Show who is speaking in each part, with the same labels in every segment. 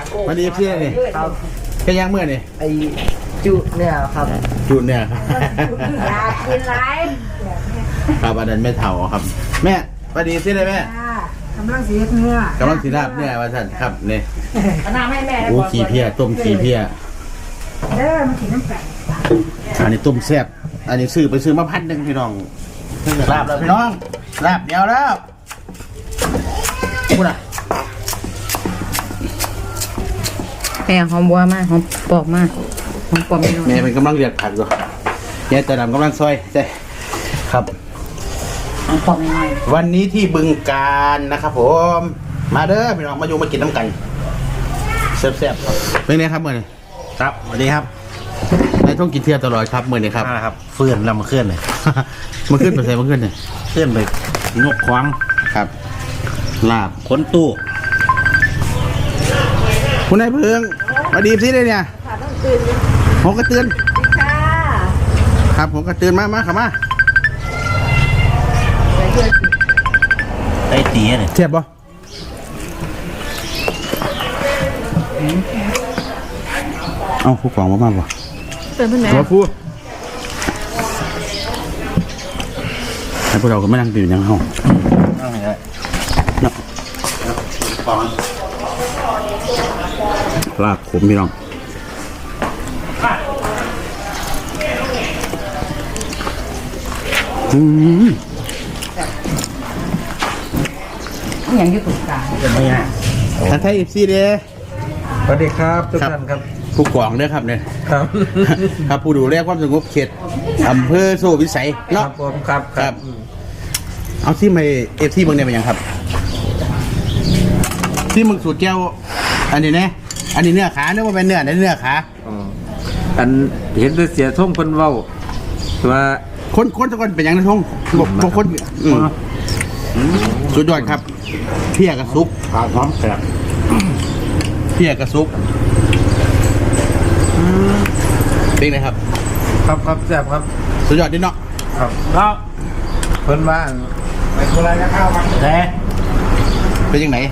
Speaker 1: วันนี้พี่นี่
Speaker 2: ครับ
Speaker 1: แค่ย่างเมื่อนี่
Speaker 2: ไอจุเนี่ยครับ
Speaker 1: จุดเนี่ยครับ
Speaker 3: อยากกินไร
Speaker 1: ครับอันนั้นไม่เท่าครับ แม่วันนี้สิเลยแม่
Speaker 3: กำลังสีเนื้อก
Speaker 1: ำลังสีราบเนี่ยว่าท่านครับนี่
Speaker 3: น้ำให้แม่
Speaker 1: โอ้ขี้เพี้ยต้มขี้เพี้ย
Speaker 3: เด้อมันกินน้ำแข็ง
Speaker 1: อันนี้ต้มแซ่บอันนี้ซื้อมา1,000พี่น้องลาบแล้วพี่น้องลาบเดียวแล้วพูดอ่ะ
Speaker 4: แม่หอมบัวมากหอมปอกมากหอมปอกเมนู
Speaker 1: แม่เป็นกำลังเรียกผักอยู่ยายแต่ดำกำลังซอยใช่ครับ
Speaker 4: หอมปอกเมนู
Speaker 1: วันนี้ที่บึงการนะครับผมมาเด้อพี่น้องมาอยู่มากินน้ำกันแซ่บๆครับเป็นไงครับเมื่อนี้
Speaker 5: ครับสวัสดีครับ
Speaker 1: นายต้องกินเที่ยวตลอดครับเมื่อนี้ครับ
Speaker 5: ครับเฟื่อนลำเคลื่อนเลย
Speaker 1: มันขึ้นไปใส่มันขึ้นเนี่ย
Speaker 5: เคลื่อนไปงกควาง
Speaker 1: ครับลาบ
Speaker 5: ขนตู้
Speaker 1: คุณนายเพิงมาดีสิเลยเนี่ย
Speaker 3: ค่ะต้องตื่น
Speaker 1: ผมก็เตือน
Speaker 3: ค่ะ
Speaker 1: ครับผมก็เตือนมาครับมา
Speaker 5: ไอ้ตีเนี่ย
Speaker 1: เทียบบ่เอาผู้กองมาบ่
Speaker 4: เป็นเพื่อนแม่
Speaker 1: ตัวผู้ให้พวกเราก็ไม่นั่งดื่มยังห้อง
Speaker 5: นั่งเลย
Speaker 1: เนาะลาบขมพี่น้อง
Speaker 4: อย่างอยุติกา
Speaker 5: เป็นไม่ง่าย
Speaker 1: ท่านไทยอีซีเด้
Speaker 2: สวัสดีครับทุกท่านครับ
Speaker 1: ผู้กองเด้อครับเนี่ย
Speaker 2: ครับ
Speaker 1: ครับผู้ดูแลความสงบเขตอำเภอโซ่วิสัย
Speaker 2: ครั
Speaker 1: เนาะ
Speaker 2: บผมครับ
Speaker 1: ครับ เอาที่มาเอฟซีเมืองเนี่ยเป็นยังครับ ที่มึงสูตรแก้วอันนี้นะอันนี้เนื้อขาเนื้อว่าเป็นเนื้อเนื้อขา
Speaker 2: อ๋ออันเห็นแต่เสียท่งคนเว้าว่า
Speaker 1: คนทุกคนเป็นยังนะทงบอกคนสุดยอดครับเพียกระซุก
Speaker 5: ปลาพร้อมแสบ
Speaker 1: เพียกระซุกเป็นไงครับ
Speaker 2: ครับครับแซ่บครับ
Speaker 1: สุดยอดดิเนาะ
Speaker 2: ครับก็เพิ่นว่าไปโคราชจะเข้ามา
Speaker 5: แต่
Speaker 1: เป็นยังไง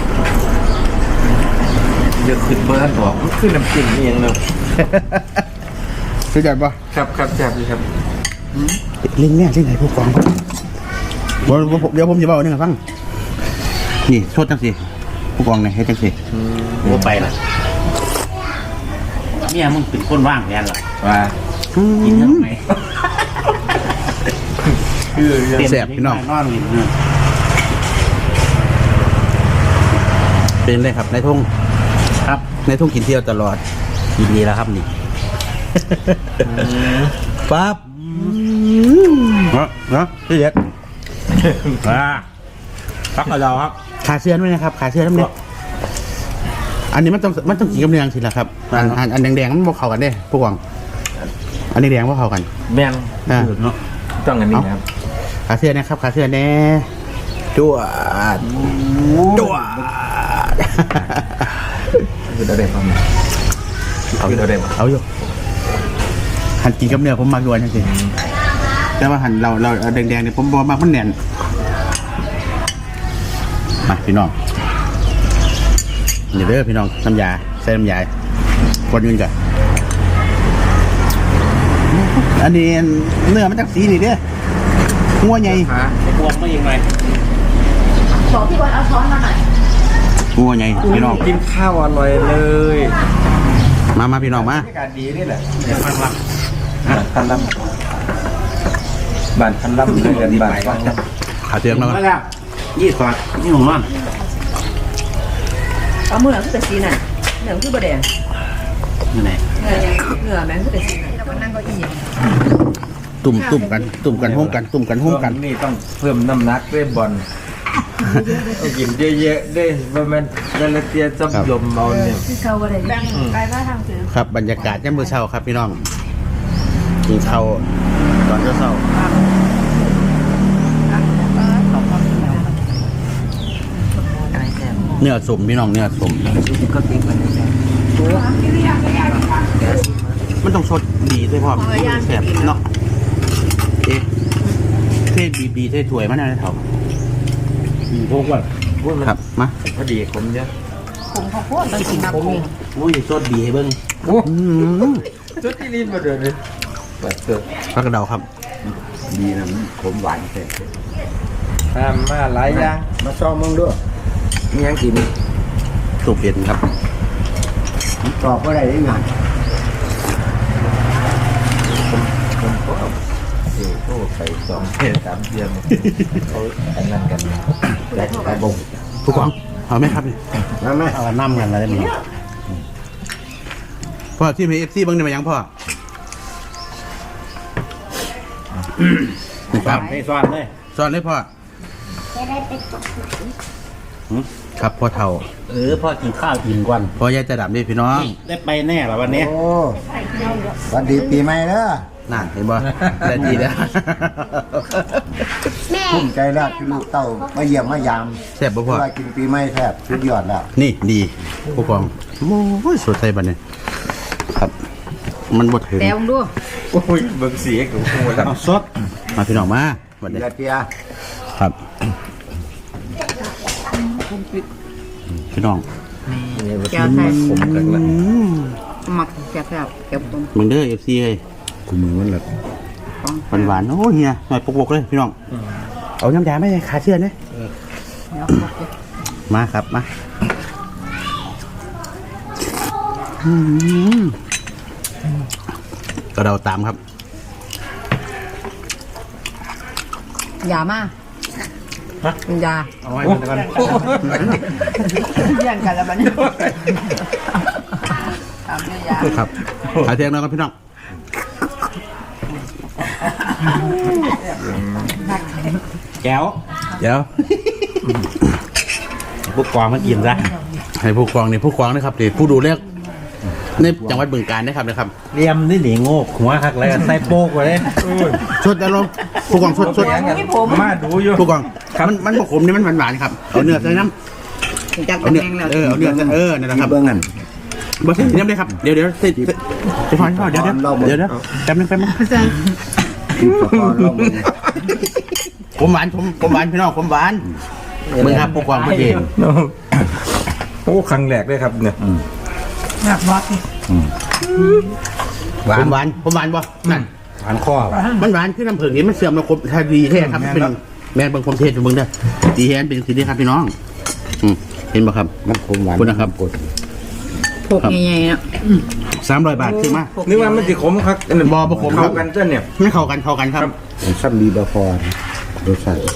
Speaker 2: เดี๋ยวขึ้นเบอร์บอกขึ้นน้ำจิ้มนี่เองเลย
Speaker 1: สุดยอดปะ
Speaker 2: ครับครับแซ่บดีครับ
Speaker 1: เล่นเนี่ยเล่นไหนผู้กองเดี๋ยวผมจะบอกนี่ให้ฟังนี่โทษจังสิผู้กองเนี่ยให้จังสิ
Speaker 5: หัวไปละเนี่ยมึงเป็นคนว่างแทนหรอ
Speaker 2: ว่า
Speaker 5: กินเท่าไหร่
Speaker 2: คือ
Speaker 1: แสบพี่น้อง
Speaker 5: นอนอยู่เนี่ย
Speaker 1: เป็นเลยครับนายทง
Speaker 5: ครับ
Speaker 1: นายทงกินเที่ยวตลอด
Speaker 5: ยินดีแล้วครับนี่
Speaker 1: ปั๊บเนาะพี่เด็ก
Speaker 5: พักกับเราครับ
Speaker 1: ขาเสื้อด้วยนะครับขาเสื้อทั้งนี้อันนี้มันต้องกินกับเนื้อสิละครับอันแดงๆมันบ่เข้ากันเด้ผู้กองอันนี้แดงบ่เข้ากัน
Speaker 2: แม่น
Speaker 5: เนาะ
Speaker 2: ต้องอันนี้ครับ
Speaker 1: ขาเสื้อนะครับขาเสื้อแน่จวดจวด
Speaker 2: คืออะไรครับเอาอะไรมา
Speaker 1: เอาอยู่หั่นกินกับเนื้อผมมักด้วยจริงๆแต่ว่าหั่นเราแดงๆเนี่ยผมบอกมากมันแน่นมาพี่น้องนี่เด้อพี่น้องน้ำยาใส่น้ำยาคนยืนกันอันนี้เนื้อมันจากสีนี่เด้องัวใหญ่
Speaker 5: บวมไม่ยังไง
Speaker 3: บอกพี่บอลเอาช้อนมาหน่อย
Speaker 1: งัวใหญ่พี่น้อง
Speaker 2: กินข้าวอร่อยเลย
Speaker 1: มาพี่น้องมา
Speaker 2: อากาศดีนี่แหละ
Speaker 5: ฟังละ
Speaker 2: คันลำบ้านคันลำเลยกันบ้าน
Speaker 1: ขาเตียงแล้ว
Speaker 5: มาแล้วยี่ขวดนี่ของมัน
Speaker 3: เอามือหนังคือแต่สีน่ะเหนือคือบะแดง
Speaker 5: นี่ไหน
Speaker 3: เหนือแม่งคือแต่สีน่ะแล้วก็นั่งเก้าอี้
Speaker 1: ตุ่มกันห้มกัน
Speaker 2: นี่ต้องเพิ่มน้ำหนักด้วยบอลต้องกินเยอะๆได้ประมาณเดลเตียซับยมเอาเนี่ย
Speaker 3: ที่เขาบะแดงแบ่งไกลมาทางถือ
Speaker 1: ครับบรรยากาศย่ำมื้อเช้าครับพี่น้องกินข้าวตอนเช้าเนื้อสมพี่น้องเนื้อสมมันต้องสดดีด้วยพ่อแสบเนาะเอ๊ะเทศบีเทศถวยมันอะไรเถ่า
Speaker 5: พวกว่า
Speaker 1: ครับมา
Speaker 2: พอดีผมเยอะ
Speaker 3: ข
Speaker 4: ผมข้าวโพดต้องกินผมนี่
Speaker 5: โอ้ยสดดีให้เบิ่ง
Speaker 2: โอ้
Speaker 1: อืม
Speaker 2: จุดที่ลิ้นมาเดินเลยเปิดเกิด
Speaker 1: ผักกระเดาครับ
Speaker 6: ดีนะมันขมหวานแท้
Speaker 2: ทำมาหลายอย่าง
Speaker 6: มาซ่อมมึงด้วยมียังกิน
Speaker 1: สูบเผ็ดครับ
Speaker 6: ตอบว่าได้ได้งาน
Speaker 2: ผมก็โอ้ไป2 เดือน3 เดือนเขาอันนั้นกัน
Speaker 6: แต่แต่บ่ง
Speaker 1: ผู้กองเอาไหมครับนี่
Speaker 6: นั่นไหม
Speaker 5: เอาน้ำกันอะไรมั้ง
Speaker 1: พ่อที่มีFCเบิ่งได้มายังพ่อครับ
Speaker 5: ให้ซ้อนเลย
Speaker 1: สอนเลยพ่อครับพ่อเฒ่า
Speaker 5: พ่อกินข้าวอิ่มก่อน
Speaker 1: พ่อยายจะดับนี่พี่น้อง
Speaker 5: ได้ไปแน่เหรอวันนี้
Speaker 6: โอ้สวัสดีปีใหม่เด้อ
Speaker 1: นั่นเห็นบ่ได้ดีแล้ว
Speaker 6: ภูมิใจแล้วที่ลูกเต้ามาเยี่ยมมายาม
Speaker 1: แซ่บบ่พ่อ
Speaker 6: เวลากินปีใหม่แทบสุดยอดแล้ว
Speaker 1: นี่ดีผู้กองโอ้ยสดใสบัดนี้ครับ มันบ่ถึง
Speaker 4: แต่มึงดู
Speaker 2: โอ้ยเบิ่งสีกับหัวแล้ว
Speaker 5: เอาสด
Speaker 1: มาพี่น้องมาบัดนี้
Speaker 6: เดียเปีย
Speaker 1: ครับพี่น้อง
Speaker 4: แก้วไทย
Speaker 2: ผมกันละ
Speaker 4: หมักแซ่บๆแก้วต้ม
Speaker 1: มึงเด้อ FC เฮ้ย
Speaker 6: กูมือมันละ
Speaker 1: หวานๆโอ้ยเฮียหน่อยปกๆเลยพี่น้องเอาน้ำยาไม่ขาเชื่อนะ
Speaker 4: แล้ว
Speaker 1: มาครับมาอืมก็เราตามครับ
Speaker 4: ยามาเป็นยา
Speaker 5: เอาไว้มันก่อน
Speaker 3: แย่งกันแล้วมันตามด้วยยา
Speaker 1: ครับขาเทียงน้องครับพี่น้อง
Speaker 5: แก้ว
Speaker 1: เดี๋ยว
Speaker 5: พวกกวางมากินซะ
Speaker 1: ให้ผู้กองนี่ผู้กองนะครับนี่ผู้ดูแลในจังหวัดบึงกาฬนะครับ
Speaker 5: เรียมนี่หนีโงกหัวหักแล้วใส่โป๊กไว้เลย
Speaker 1: ชดอารมณ์ผู้กองชด
Speaker 2: มาดูอยู่
Speaker 1: ผู้กองมันบกขมนี่มันหวานๆครับเอาเนื้อใส่น้ำ
Speaker 4: จัก
Speaker 1: เอาเนื้อ
Speaker 4: แห้งแล้ว
Speaker 1: เอาเนื้อใส่นั่นแหละ
Speaker 6: ที่
Speaker 1: ครับ
Speaker 6: เบื้องนั้น
Speaker 1: บ่ใช่น้ำเลยครับเดี๋ยวจะพอเดี๋ยวแป๊บนึงแป๊บนึง
Speaker 6: ที่สะพอนเราเบิ่ง
Speaker 1: ผมหวานผมหวานพี่น้องผมหวานมึงครับผู้กองประเด็น
Speaker 2: โอ้ครั้งแรกเลยครับเนี่ย
Speaker 1: ผมหวานบ่นั่น
Speaker 5: หวานข้อ
Speaker 1: มันหวานคือน้ำผึ้งนี่มันเสื่อมแล้วครบถ้าดีแท้ครับเป็นแม่นบางความเทศมึงเด้อดีแท้เป็นสิ่งที่ครับพี่น้องเห็นบ่ครับ
Speaker 6: มันขมหวาน
Speaker 1: คุณนะครับ
Speaker 6: กด
Speaker 4: พวกใหญ่ๆเนาะ
Speaker 1: 300 บาทคือมา
Speaker 2: นึกว่ามันจะขมครับ
Speaker 1: บ่ขมครับ
Speaker 2: เข้ากันจ้ะเนี่ย
Speaker 1: ไม่เข้ากันครับ
Speaker 6: มันซ้ำดีบะฟอนรสชาติ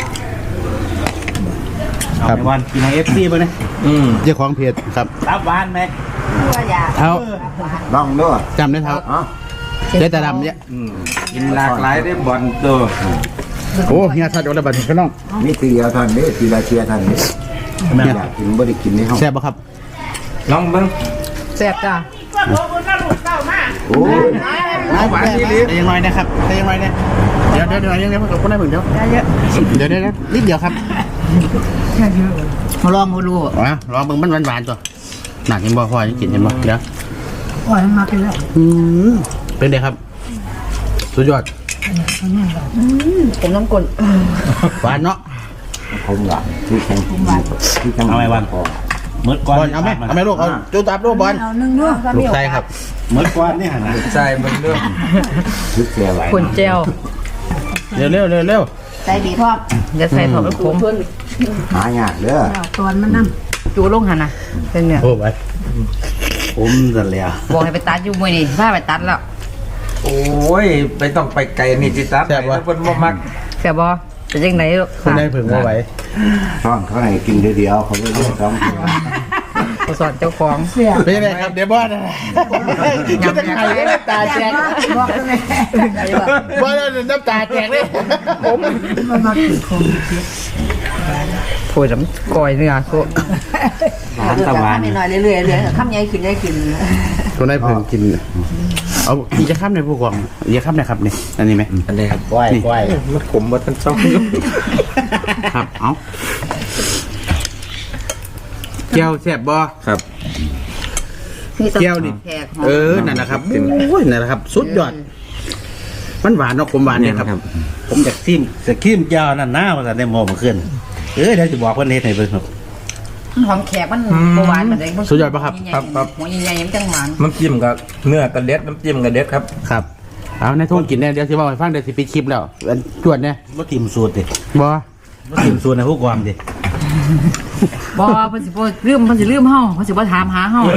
Speaker 5: เอาไปวันกินในFCไปเลย
Speaker 1: เจ้าของเพจครับ
Speaker 5: รับหวานไหม
Speaker 3: ตัวยา
Speaker 1: เท้า
Speaker 6: ลองด้วย
Speaker 1: จำได้เท้า
Speaker 6: อ๋อ
Speaker 1: เจ๊ตาดำเนี่ย
Speaker 2: กินหลากหลายได้บอลตัว
Speaker 1: โอ้เฮียสัตว์โดนบัตรพี่น้อง
Speaker 6: นี่ตีเดียวทันนี่ตีละเชียร์ทันนี่อยากกินบ่ได้กินในห้อง
Speaker 1: แซ่บบ่ครับ
Speaker 2: ลองเบิ่ง
Speaker 4: แซ่บจ้า
Speaker 6: โอ้ย
Speaker 1: มาหวานดีแต่ยังน้อยนะครับแต่ยังน้อยเนี่ยเดี๋ยวยังคนได้เหมือนเดี๋ยวนิดเดียวครับ
Speaker 4: มาลองมาดู
Speaker 1: ลองเบิ่งมันหวานๆตัวหนักเห็นบ่พอยังกินเห็นบ่เดี๋ยว
Speaker 4: อ่อยมากินแล้ว
Speaker 1: เป็นไงครับสุดยอด
Speaker 4: ผมน้ำกลน
Speaker 1: หวานเนาะ
Speaker 6: ผมหวานที่แข็งที่แข็ง
Speaker 5: เอาไว้วัน
Speaker 6: พอ
Speaker 5: เมื่อก่อน
Speaker 1: บอลเอาไหมลูกเอาจูตับลูกบอล
Speaker 3: เอานึ่งด้วย
Speaker 1: ลูกใจครับ
Speaker 5: เมื่อก่อนนี่หันนะ
Speaker 2: ใช่มันเรื่อง
Speaker 6: ชุดเสียไหว
Speaker 4: คนเจล
Speaker 1: เร็ว
Speaker 3: ใจดีพร้อม
Speaker 4: จะใส่ถอดขม
Speaker 6: หายากเด้อ
Speaker 3: ตอนมันนั่ง
Speaker 4: จูลงหันนะเป็นเนี่ย
Speaker 1: โอ้ไป
Speaker 5: ผมจะแล้ว
Speaker 4: บอกให้ไปตัดอยู่มวยนี่พาไปตัดแล้ว
Speaker 2: โอ้ยไปต้องไปไกลนี่จิตัดไปแล้วคนบ่มัก
Speaker 4: แซ่บบ่จะยังไง
Speaker 1: คนได้ผึ่งว่าไหว
Speaker 6: ช่องเขาให้กินเดียวเขาไม่เรียกสองตัว
Speaker 4: ผู้สอนเจ้าของ
Speaker 1: เป็นยังไงครับเดี๋ยวบอลคิดจะไข่ได้น้ำตาแจก
Speaker 3: บอกเลย
Speaker 1: บอลน้ำตาแจกเลยผม
Speaker 4: พูดน้ำก่อยเนื้อโค
Speaker 5: หวานตะวัน
Speaker 3: หน่อยเรื่อยๆข้ามใหญ่ขึ้นใหญ่ขึ้น
Speaker 1: คนได้ผึ่งกินเอาอีกจะข้ามในผู้กองอีกจะข้ามในครับนี่อันนี้ไหม
Speaker 2: อันนี้ครับ
Speaker 6: ไหวไหว
Speaker 2: มันขมมาทั้งสอง
Speaker 1: ครับเอาแก้วแซ่บบ่
Speaker 2: ครับ
Speaker 1: แก้วนี่นั่นแหละครับโอ้ยนั่นแหละครับ สุดยอดมันหวานเนาะผมหวานเนี่ยครับ
Speaker 5: ผมอยากซิมสกิมเจ้านั่นหน้ามาแต่ในหม้อมาขึ้นเดี๋ยวจะบอกว่าเฮ็ดให้เบิ่งครับ
Speaker 4: หอมแขกมันหวานมันได้
Speaker 1: สุดยอดปะครับ
Speaker 4: หัวใหญ่ๆมันจังหวาน
Speaker 2: น้ำจิ้มกับเนื้อกระเด็ดน้ำจิ้มกระเด็ดครับ
Speaker 1: ครับเอาในทุ่งกินเนี่ยเดี๋ยวสิบอกให้ฟังเดี๋ยวสิปิดคลิปแล้วอันจวดเนี่ย
Speaker 5: บ่ทีมสูตรดิ
Speaker 1: บ่
Speaker 5: บ่ทีมสูตรในผู้กองดิ
Speaker 4: บ่เพิ่นสิบ่ลืมเฮาเพิ่นสิบ่ถามหาเฮา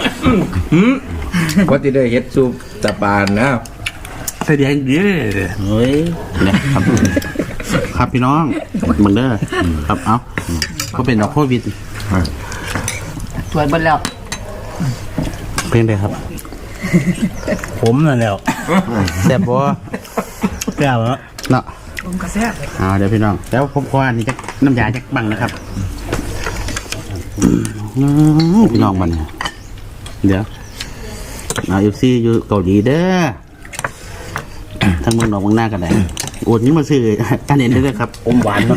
Speaker 2: ก็จะได้เฮ็ดซุปตะปานนะ
Speaker 1: ใส่ดีให้ดี
Speaker 5: เฮ้ย
Speaker 1: เนี่ยครับครับพี่น้องมึงเด้อครับเอาก็เป็นดอกโควิด
Speaker 4: สวยเบิดแล้ว
Speaker 1: เพลงใดครับ
Speaker 5: ผมนั่นแล้ว
Speaker 1: แซ่บบ่
Speaker 5: แก้วแล้ว
Speaker 1: เนาะ
Speaker 4: ผมก็แซ่บ
Speaker 1: เดี๋ยวพี่น้องแล้วผมขออันนี้จักน้ำยาจักบังนะครับพี่น้องมันเดี๋ยวเอาFCอยู่เกาหลีเด้อทั้งเมืองนอกเมืองหน้ากันได้โอนนี้มาซื้ออันนี้ได้เลยครับ
Speaker 5: อมหวานเนาะ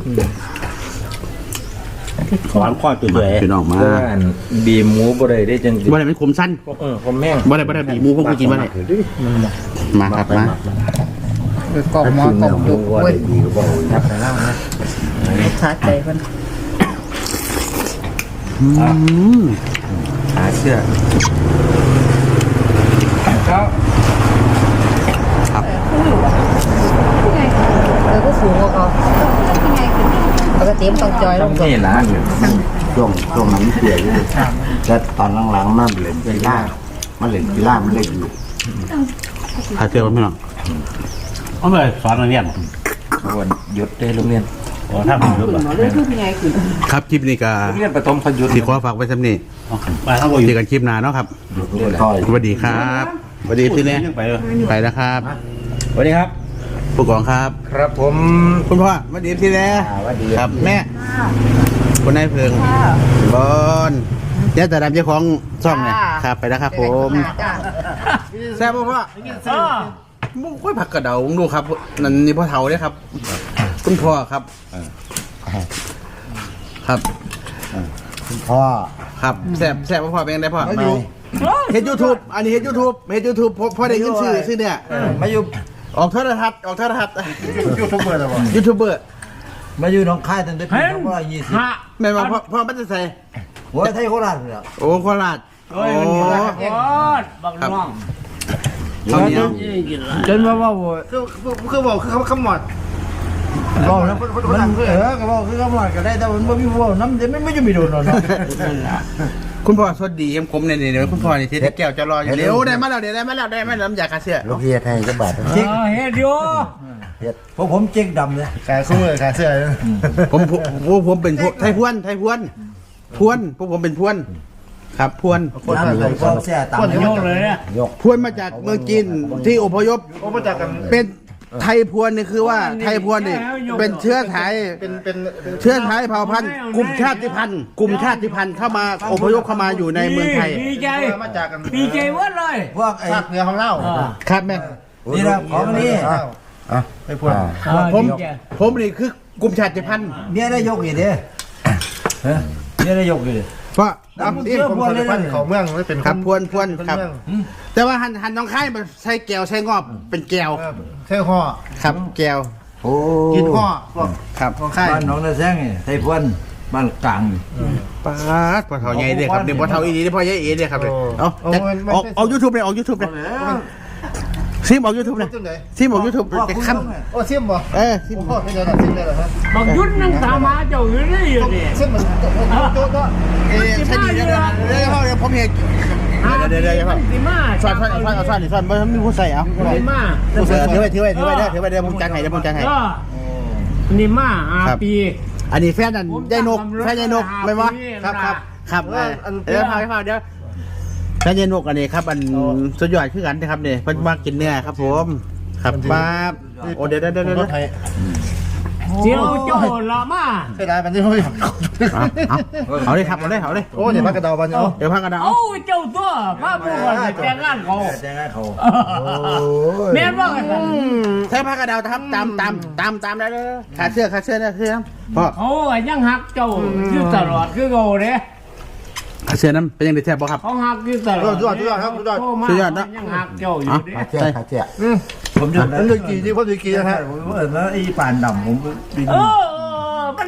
Speaker 5: หวานข้อจุดเลย
Speaker 1: พี่น้องมา
Speaker 2: เพื่อนบีหมูบ่ได้จังสิ
Speaker 1: บ่ได้เป็นคมสั้น
Speaker 2: ผมแม่ง
Speaker 1: บ่ได้บีหมูพวกกูกินบ่ได้มาครับมา
Speaker 4: กรอบหม้อกรอบดุเว้ย
Speaker 6: ดีก็บ่ยับไปแล้วนะ
Speaker 4: ชาใจเพิ่น
Speaker 2: หาเสื้อครับ
Speaker 4: ก็สูงกว่าเขาปกติมันต้องจอยลง
Speaker 2: นี่ล่ะ
Speaker 6: ช่วงนั้นเสียอยู่แล้วตอนหลังๆมันเล่นกีฬามันเล่นกีฬามันเล่นอยู่
Speaker 1: หาเสื้อพี่น้อง
Speaker 5: เอาเลยสอนนักเรียน
Speaker 2: วันหยุดได้โรงเรียน
Speaker 5: โอ้ถ้าผมรู้ป่ะ
Speaker 1: ครับคลิปนี้ก็
Speaker 2: โรงเรียนประถมพยุทธ์
Speaker 1: สิขอฝากไว้ซ้ำนี้
Speaker 5: มาทั้งหมด
Speaker 1: เจอกันคลิปหน้าเนาะครับ
Speaker 6: ค่อย
Speaker 1: สวัสดีครับสวัสดีพี่เนี่ย
Speaker 5: ไปเลย
Speaker 1: ไปแล้วครับ
Speaker 2: สวัสดีครับ
Speaker 1: ผู้กองครับ
Speaker 2: ครับผม
Speaker 1: คุณพ่อสวัสดีพี่เนี่ย
Speaker 6: ว่าดี
Speaker 1: ครับแม่คุณนายเพิงบอนเนี่ยแต่ดำเจ้าของช่องเนี่ยครับไปแล้วครับผมแซ่บบ่พ่อมุ้งค่อยผักกระเดาดูครับนั่นนี่พ่อเฒ่าเนี่ยครับ คุณพ่อครับ ครับ
Speaker 6: พ่อ
Speaker 1: ครับแซ่บบ่พ่อเป็นไงได้พ่อเฮ็ด YouTube อันนี้เฮ็ด YouTube พ่อได้เงินซื้อเนี่ย
Speaker 6: มาอยู่
Speaker 1: ออกโทรทัศน์
Speaker 6: ยูทูบเบอร์แล้วบ่
Speaker 1: ยูทูบเบอร์
Speaker 6: มาอยู่หนองคายตั้งแต่ปี2520
Speaker 1: แม่นว่าพ่อมันจะใส่
Speaker 6: หัวไทยโคราชเลย
Speaker 1: โอ้โคราชโอ้
Speaker 5: บักน้อง
Speaker 1: ข้าวเหนียว
Speaker 6: จนว่า
Speaker 1: คือบอกคือคำหมด
Speaker 6: บอกแล้วมันก็บอกคือคำว่าก็ได้แต่มันบ่มีว่าน้ำเดี๋ยวไม่จะมีโดนเนาะ
Speaker 1: คุณพ่อสวัสดีเอ็มคมเนี่ยเดี๋ยวคุณพ่อนี่ที่แก้วจะรออยู่เดี๋ยวได้มาแล้วน้ำยาคาเสื้อ
Speaker 6: ลูกเฮียไทยจะบาด
Speaker 5: เฮ็ดอยู่
Speaker 6: เพราะผมเจ๊งดำเลยขายคู่เลยขายเสื้อ
Speaker 1: ผมเป็นไทยพวนพวกผมเป็นพวนครับพวน
Speaker 6: น้ำเลยก็เสื้อต่ำ
Speaker 5: โยกเลยเนี่ย
Speaker 6: ยก
Speaker 1: พวนมาจากเมืองจีนที่อพยพมาจากกันเป็นไทยพวนนี่คือว่าไทยพวนนี่เป็นเชื้อไทยเป็นเชื้อไทยเผ่าพันธุ์กลุ่มชาติพันธุ์เข้ามาอพยพเข้ามาอยู่ในเมืองไทย
Speaker 5: ดีใจดีใจเว้ยเลย
Speaker 6: พวกไอ้
Speaker 1: เหนือของเราครับแม่
Speaker 6: นี่นะของนี่ไอ้พวก
Speaker 1: ผมนี่คือกลุ่มชาติพันธุ์
Speaker 6: เนี่ยได้ยกอีกเด้เนี่ยได้ยกอีก
Speaker 1: เพราะ
Speaker 6: เชื่อพวกเลยเขาเมืองไม่เป็น
Speaker 1: ครับพวนครับแต่ว่าหันน้องค่ายมันใช้แก้วใช้งอบเป็นแก้ว
Speaker 6: แค่ห่อ
Speaker 1: ครับแก้ว
Speaker 6: โอ้
Speaker 1: กินห่อครับ
Speaker 6: ของค่ายบ้านหนองนาแซงนี่ไทยพวนบ้านกลาง
Speaker 1: ปาดปลาเท่าใหญ่เลยครับเนี่ยปลาเท่าอีนี่พ่อใหญ่เอ๋เลยครับเลยเอายูทูบเลยออกยูทูบเลยซิมออกยูทูบเลยซิมออกยูทูบจะขั้น
Speaker 6: โอ้เสียมบ่
Speaker 1: ซิม
Speaker 6: พ่อไม่ได้ซิมได้หรอฮะ
Speaker 5: บักยุดนั่งตามมาเจ้าอยู่นี่อยู่นี่
Speaker 6: เสียมมันโจ๊ะก็
Speaker 1: ใช่ดีเดี๋ยวผมเห็นเดี๋ยวครับ
Speaker 5: สิมา
Speaker 1: ซ่อนไม่มีผู้ใส่เอา
Speaker 5: สิมา
Speaker 1: ผู้ใส่ถือไว้เดี๋ยวผมจังให้
Speaker 5: นี่มาปี
Speaker 1: อันนี้แฟนนั่นยายนกไม่วะครับเดี๋ยวพาเดี๋ยวแฟนยายนกอันนี้ครับอันสุดยอดคือกันนะครับเนี่ยเพิ่นมากินเนื้อครับผมครับป้าโอ้เดี๋ยว
Speaker 5: เจียวโจละมา
Speaker 6: ใช่ได้มันที่เขาอยาก
Speaker 1: เอาเลยครับเอาเลย
Speaker 6: โอ้เดี๋ยวพักกระดาบันเอา
Speaker 1: เดี๋ยวพักกันนะ
Speaker 5: โอ้เจ้าตัวพาผู้คนแต่งงานเขา
Speaker 6: แจ้งให้เขา
Speaker 5: แม่นว่ากัน
Speaker 1: ใช้พักกระดาวครับตามได้เลยขาเสื้อนะเสื้อพ่อ
Speaker 5: เขายังหักเจ้าอยู่ตลอดคือโง่เด้
Speaker 1: ขาเสื้อนั้นเป็นยังไงแทบบ่ครับ
Speaker 5: เขาหักอยู่ตลอด
Speaker 6: สุดยอดครับสุดยอด
Speaker 5: สุดยอดนะยังหักเจ้าอยู่เด้
Speaker 6: ขาเจ๊ผมจะนั่นเรื่องกี่ที่พ่อจะกี่นะฮะผมว่าแล้วไอ้ป่านดำผม
Speaker 5: มัน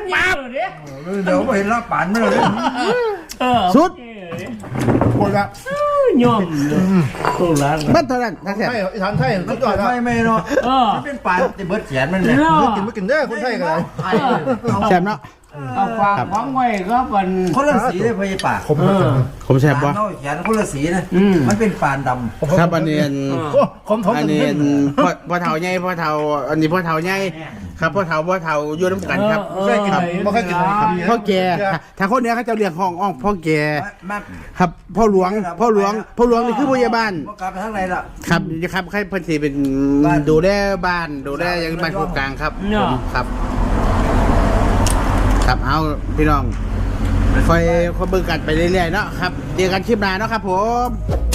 Speaker 5: ปั๊บ
Speaker 2: เดี๋ยวเห็นแล้วป่านไม่เลย
Speaker 1: สุด
Speaker 7: คนละ
Speaker 5: ย่อมตู้ร้าน
Speaker 1: บ้านเท่านั้นทั้งแสบ
Speaker 7: ไม่อีสานไทยสุดยอดครับ
Speaker 2: ไม่เนาะมันเป็นป่านแต่เบิดแขนมันเลย
Speaker 7: กินไม่กินเด้อคนไทยกันเลย
Speaker 1: แสบเนาะ
Speaker 5: เอาฝากของไว้ก็เป็น
Speaker 2: คนละสีเลยพี่ป่า
Speaker 1: ผมแสบบ่
Speaker 2: เนาะแขนคนละสีนะมันเป็นป่านดำ
Speaker 1: ครับอันนี้
Speaker 7: ผม
Speaker 1: อันนี้พ่อเฒ่าใหญ่พ่อเฒ่าอันนี้พ่อเฒ่าใหญ่ครับพ่อเฒ่าอยู่น้ำกันครับ
Speaker 7: ไม่เคยกินไม่เคยกิน
Speaker 1: พ่อแก่ถ้าคนเนี้ยเขาจะเรียกห้องพ่อแก่
Speaker 2: มา
Speaker 1: ครับพ่อหลวงนี่คือผู้ใหญ่บ้าน
Speaker 2: กลับไปทางไหนล่ะ
Speaker 1: ครับครับใครเพิ่นสิเป็นดูแลบ้านดูแลยังบ้านโครงกลางครับผมครับ ครับเอาพี่น้องคอยเบิ่งกันไปเรื่อยๆเนาะครับเจอกันคลิปหน้าเนาะครับผม